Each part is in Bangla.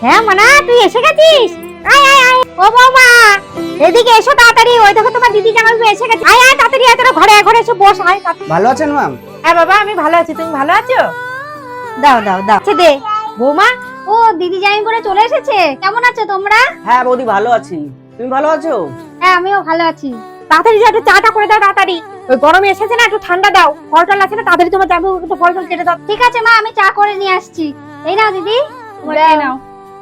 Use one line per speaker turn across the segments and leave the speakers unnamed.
হ্যাঁ মানা, তুই এসে গেছিস? আয় আয় আয়, ও বৌমা এদিকে এসো তাড়াতাড়ি। ওই দেখো তোমার দিদি জামাইবাবু এসে গেছে। আয় আয় তাড়াতাড়ি আয়, তোরা ঘরে ঘরে এসে বস। আয়।
ভালো আছেন ম্যাম?
হ্যাঁ বাবা, আমি ভালো আছি, তুমি ভালো আছো? দাও দাও দাও, দে। বৌমা, ও দিদি জামাই করে চলে এসেছে। কেমন আছো তোমরা?
হ্যাঁ বৌদি ভালো আছি, তুমি ভালো আছো?
হ্যাঁ আমিও ভালো আছি। তাড়াতাড়ি যা, একটু চাটা করে দাও তাড়াতাড়ি। ওই গরমে এসেছে না, একটু ঠান্ডা দাও। ফল টল আছে না, তাড়াতাড়ি তোমার যাবে, একটু ফল টল কেটে দাও। ঠিক আছে মা, আমি চা করে নিয়ে আসছি। এই নাও দিদি, নাও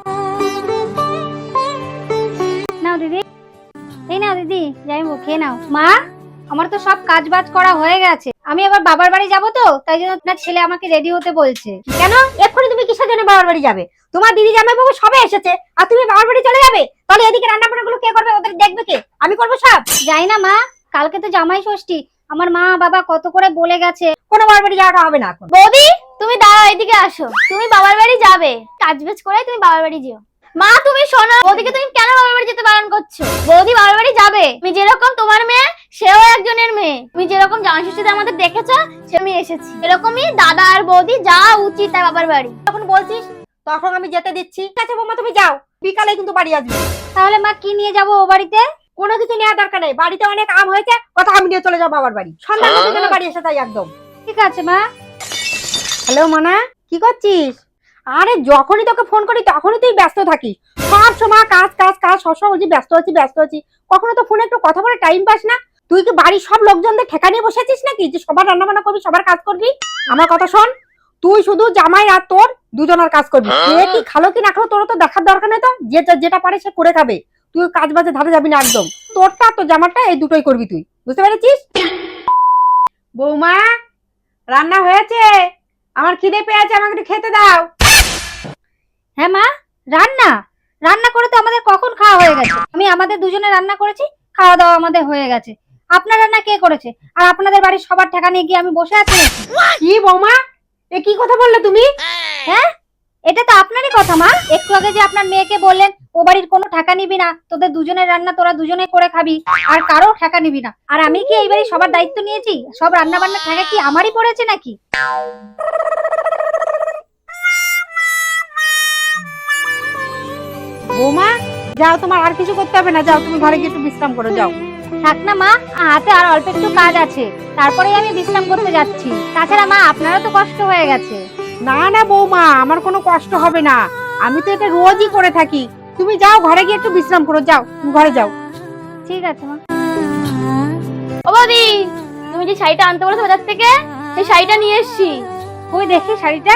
নাও দিদি, এই নাও দিদি, যাই খেয়ে নাও। মা, আমার তো সব কাজ বাজ করা হয়ে গেছে। আমি আবার বাবার বাড়ি যাবো তো, তাই জন্য আপনার ছেলে আমাকে রেডি হতে বলছে। কেন এক্ষুনি তুমি কিসের জন্য বাবার বাড়ি যাবে? তোমার দিদি জামাইবাবু সবে এসেছে আর তুমি বাবার বাড়ি চলে যাবে? তাহলে এদিকে রান্না বান্না গুলো কে করবে? ওদের দেখবে কে? আমি করবো সব? যাই না মা, কালকে তো জামাই ষষ্ঠী। আমার মা বাবা কত করে বলে গেছে, কোনো বাবার বাড়ি যাওয়াটা হবে না এখন।
বৌদি তুমি দাঁড়াও, এদিকে আসো। তুমি বাবার বাড়ি যাবে, কাজ বাজ করে তুমি বাবার বাড়ি যেও। মা তুমি শোনো, বৌদিকে তুমি কেন বাবার বাড়ি যেতে বারণ করছো? বৌদি বাবার বাড়ি যাবে। তুমি যেরকম তোমার মেয়ে, সেও একজনের মেয়ে। তুমি যেরকম জামাই ষষ্ঠীতে আমাদের দেখেছো, সে আমি এসেছি। এরকমই দাদা আর বৌদি যাওয়া উচিত তাই বাবার বাড়ি।
তখন বলছিস, তখন আমি যেতে দিচ্ছি। ঠিক আছে বৌমা, তুমি যাও, বিকালে কিন্তু বাড়ি আসবে। তাহলে মা কি নিয়ে যাবো ও বাড়িতে? কোনো কিছু নেওয়ার দরকার নেই, বাড়িতে অনেক আম হয়েছে, কথা আমি নিয়ে চলে যাবো বাবার বাড়ি। সন্ধ্যা জন্য বাড়ি এসে তাই একদম। ঠিক আছে মা। হ্যালো মানা, কি করছিস? আরে যখনই তোকে ফোন করি তখনই তুই ব্যস্ত থাকিস। সব সময় কাজ কাজ কাজ, সবসময় বলছি ব্যস্ত আছি ব্যস্ত আছি। কখনো তো ফোনে একটু কথা বলে টাইম পাস না। তুই কি বাড়ির সব লোকজনদের ঠেকা নিয়ে বসেছিস নাকি যে সবার রান্না বান্না করবি, সবার কাজ করবি? আমার কথা শোন, তুই শুধু জামাই আর তোর দুজনের কাজ করবি। কে কি খালো কি না খালো তোর তো দেখার দরকার নেই। তো যেটা যেটা পারে সে করে খাবে। তুই কাজ বাজে ধারে যাবি না একদম। তোরটা তো জামাটা এই দুটোই করবি তুই, বুঝতে পেরেছিস? বৌমা, রান্না হয়েছে, আমার খিদে পেয়েছে, আমাকে একটু খেতে দাও। হ্যাঁ মা, রান্না রান্না করে তো আমাদের কখন খাওয়া হয়ে গেছে। আমি আমাদের দুজনে রান্না করেছি, খাওয়া দাওয়া আমাদের হয়ে গেছে। আপনার রান্না কে করেছে? আর আপনাদের বাড়ির সবার ঠেকা নিয়ে গিয়ে আমি বসে আছি? কি বৌমা, এ কি কথা বললে তুমি? হ্যাঁ, এটা তো আপনারই কথা মা। একটু আগে যে আপনার মেয়েকে বললেন ও বাড়ির কোনো ঠেকা নিবি না, তোদের দুজনের রান্না তোরা দুজনে করে খাবি, আর কারো ঠেকা নিবি না। আর আমি কি এই বাড়ির সবার দায়িত্ব নিয়েছি? সব রান্না বান্না ঠেকা কি আমারই পড়েছে নাকি? বৌমা যাও, তোমার আর কিছু করতে হবে না, যাও তুমি ঘরে গিয়ে একটু বিশ্রাম করো, যাও। থাক না মা, হাতে আর অল্প একটু কাজ আছে, তারপরেই আমি বিশ্রাম করতে যাচ্ছি। তাছাড়া মা আপনারও তো কষ্ট হয়ে গেছে। না না বৌমা, আমার কোনো কষ্ট হবে না, আমি তো এটা রোজই করে থাকি। তুমি যাও ঘরে গিয়ে একটু বিশ্রাম করো, যাও তুমি ঘরে যাও। ঠিক আছে মা।
ও বৌদি, তুমি যে শাড়িটা আনতে বলেছো বাজার থেকে, সেই শাড়িটা নিয়ে এসেছি।
কই দেখি শাড়িটা।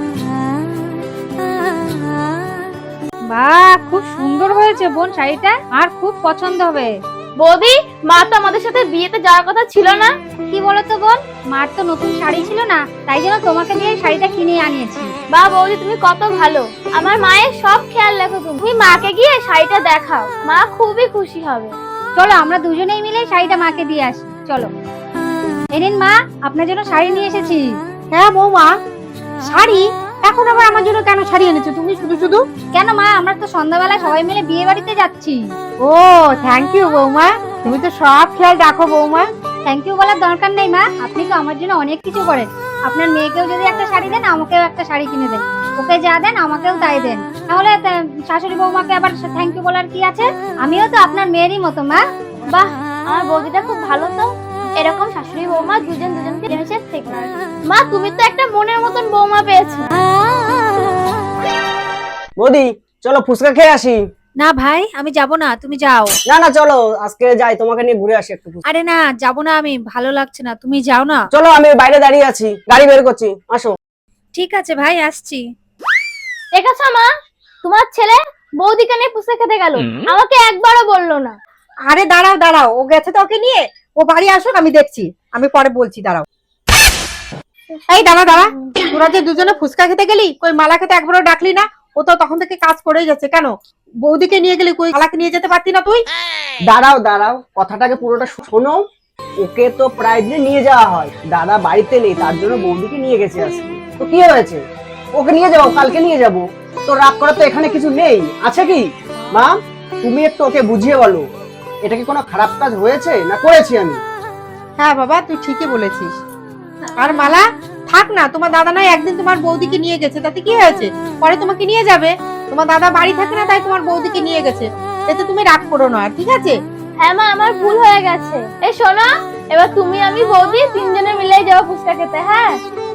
বাহ, খুব সুন্দর হয়েছে বোন শাড়িটা, আর খুব পছন্দ হবে।
বৌদি, মা তো আমাদের সাথে বিয়েতে যাওয়ার কথা ছিল না?
কি বলতো বোন, মার তো নতুন শাড়ি ছিল না, তাই জন্য তোমাকে দিয়ে শাড়িটা কিনে আনিয়েছি।
বা বৌদি তুমি কত ভালো, আমার মায়ের সব খেয়াল রাখো। তুমি মাকে গিয়ে শাড়িটা দেখাও, মা খুবই খুশি হবে।
চলো আমরা দুজনেই মিলে শাড়িটা মাকে দিয়ে আসি, চলো। এই নিন মা, আপনার জন্য শাড়ি নিয়ে এসেছি। হ্যাঁ বৌমা, শাড়ি? এখন আবার আমার জন্য কেন শাড়ি এনেছো তুমি শুধু শুধু? কেন মা, আমরা তো সন্ধ্যাবেলা সবাই মিলে বিয়ে বাড়িতে যাচ্ছি। ও থ্যাংক ইউ বৌমা, তুমি তো সব খেয়াল রাখো বৌমা। থ্যাংক ইউ বলার দরকার নেই মা, আপনি তো আমার জন্য অনেক কিছু করেন। আপনার মেয়েকেও যদি একটা শাড়ি দেন, আমাকেও একটা শাড়ি কিনে দেন। ওকে যা দেন আমাকেও তাই দেন। তাহলে শাশুড়ি বৌমাকে আবার থ্যাংক ইউ বলার কি আছে? আমিও তো আপনার মেয়েরই মতো মা।
বাহ, আমার বৌদিটা খুব ভালো তো। এরকম শাশুড়ি বৌমা দুজন দুজনকে জিনিসের থেকে। মা তুমি তো একটা মনের মতন বৌমা পেয়েছো।
বৌদি চলো ফুচকা খেয়ে আসি।
না ভাই, আমি যাব না, তুমি যাও।
না না চলো আজকে যাই, তোমাকে নিয়ে ঘুরে আসি একটু।
আরে না, যাব না, আমি ভালো লাগছে না, তুমি যাও না।
চলো আমি বাইরে দাঁড়িয়ে আছি, গাড়ি বের করছি, আসো।
ঠিক আছে ভাই, আসছি।
দেখেছো মা, তোমার ছেলে বৌদিকে নিয়ে ফুচকা খেতে গেল, আমাকে একবারও বললো না।
আরে দাঁড়াও দাঁড়াও, ও গেছে তো, ওকে নিয়ে ও বাড়ি আসুক, আমি দেখছি, আমি পরে বলছি, দাঁড়াও। এই দাঁড়া দাঁড়া, তোরা যে দুজনে ফুচকা খেতে গেলি, কই মালা খেতে একবারও ডাকলি না? ও তো তখন থেকে কাজ করেই যাচ্ছে, কেন বৌদিকে নিয়ে গেলি, কই মালাকে নিয়ে যেতে পারতি না তুই?
দাঁড়াও দাঁড়াও, কথাটাকে পুরোটা শোনো। ওকে তো প্রায় দিন নিয়ে যাওয়া হয়, দাদা বাড়িতে নেই তার জন্য বৌদিকে নিয়ে গেছে আজকে। তো কি হয়েছে, ওকে নিয়ে যাবো, কালকে নিয়ে যাবো। তো রাগ করা তো এখানে কিছু নেই, আছে কি? মা তুমি একটু ওকে বুঝিয়ে বলো, এটা কি কোনো খারাপ কাজ হয়েছে না করেছি আমি?
হ্যাঁ বাবা, তুই ঠিকই বলেছিস। আর মালা থাক না, তোমার দাদা নাই একদিন তোমার বৌদিকে নিয়ে গেছে, তাতে কি হয়েছে? পরে তোমাকে নিয়ে যাবে। তোমার দাদা বাড়ি থাকে না, তাই তোমার বৌদিকে নিয়ে গেছে। এতে তুমি রাগ করো না, ঠিক আছে?
হ্যাঁ মা, আমার ভুল হয়ে গেছে। এই শোনো, এবার তুমি আমি বৌদি তিনজনে মিলেই যাবো ফুচকা খেতে, হ্যাঁ?